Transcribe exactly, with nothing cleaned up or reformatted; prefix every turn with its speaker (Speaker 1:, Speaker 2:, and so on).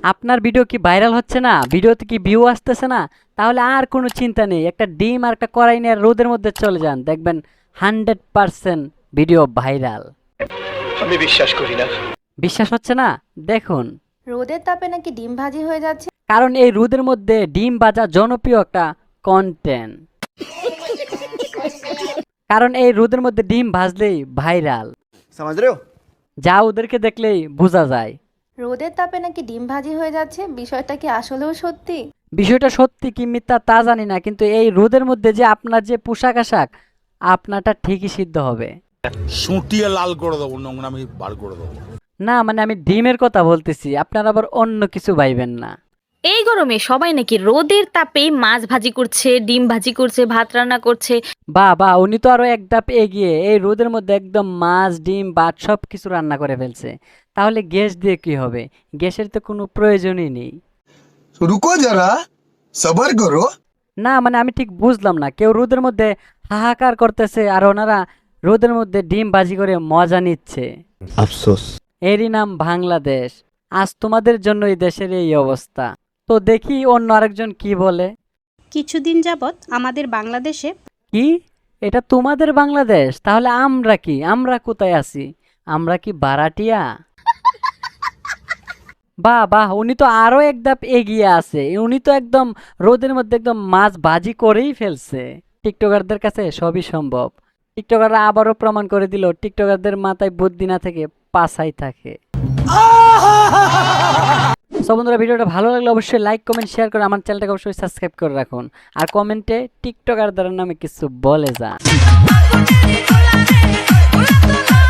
Speaker 1: আপনার ভিডিও কি ভাইরাল হচ্ছে না, ভিডিওতে কি ভিউ আসতেছে না, তাহলে আর কোনো চিন্তা নেই, একটা ডিম আর একটা কড়াই নিয়ে রোদের মধ্যে চলে যান, দেখবেন হান্ড্রেড পার্সেন্ট ভিডিও ভাইরাল।
Speaker 2: আমি বিশ্বাস করি না।
Speaker 1: বিশ্বাস হচ্ছে না? দেখুন,
Speaker 3: রোদের তাপে নাকি ডিম ভাজি হয়ে যাচ্ছে।
Speaker 1: কারণ এই রোদের মধ্যে ডিম ভাজা জনপ্রিয় একটা কন্টেন্ট। কারণ এই রোদের মধ্যে ডিম ভাজলেই ভাইরাল,
Speaker 2: समझ रहे हो?
Speaker 1: যা ওদেরকে দেখলেই বোঝা যায়।
Speaker 3: রোদের তাপে নাকি ডিম ভাজি হয়ে যাচ্ছে, বিষয়টা কি আসলেও সত্যি?
Speaker 1: বিষয়টা সত্যি কি মিথ্যা তা জানি না, কিন্তু এই রোদের মধ্যে যে আপনার যে পোশাক আশাক, আপনারটা ঠিকই সিদ্ধ হবে।
Speaker 4: সুটিয়ে লাল করে দেবো, নোংরামি বার করে দেবো।
Speaker 1: না মানে আমি ডিমের কথা বলতেছি, আপনারা আবার অন্য কিছু ভাইবেন না।
Speaker 5: এই গরমে সবাই নাকি রোদের তাপে মাছ ভাজি করছে, ডিম ভাজি করছে, ভাত রান্না করছে।
Speaker 1: বা বা উনি তো আরো এক ধাপ এগিয়ে, এই রোদের মধ্যে একদম মাছ ডিম ভাত সব কিছু রান্না করে ফেলছে। তাহলে গ্যাস দিয়ে কি হবে? গ্যাসের তো কোনো প্রয়োজনই নেই।
Speaker 6: रुको जरा सबर करो।
Speaker 1: না মানে আমি ঠিক বুঝলাম না, কেউ রোদের মধ্যে হাহাকার করতেছে আর ওনারা রোদের মধ্যে ডিম ভাজি করে মজা নিচ্ছে।
Speaker 2: अफसोस।
Speaker 1: এরই নাম বাংলাদেশ। আজ তোমাদের জন্য এই দেশের এই অবস্থা। তো দেখি অন্য আরেকজন কি বলে।
Speaker 7: কিছুদিন যাবৎ আমাদের বাংলাদেশে
Speaker 1: কি? এটা তোমাদের বাংলাদেশ? তাহলে আমরা কি? আমরা কোথায় আছি? আমরা কি ভাড়াটিয়া? বাহ বাহ, উনি তো আরো এক ধাপ এগিয়ে আছে, উনি তো একদম রোদের মধ্যে একদম মাছ ভাজি করেই ফেলছে। টিকটকারদের কাছে সবই সম্ভব। টিকটকাররা আবারও প্রমাণ করে দিল টিকটকারদের মাথায় বুদ্ধি না থেকে পাছাই থাকে। সো বন্ধুরা, ভিডিওটা ভালো লাগলে অবশ্যই লাইক কমেন্ট শেয়ার করে আমার চ্যানেলটাকে অবশ্যই সাবস্ক্রাইব করে রাখুন। আর কমেন্টে টিকটকারদের নামে কিছু বলে যান।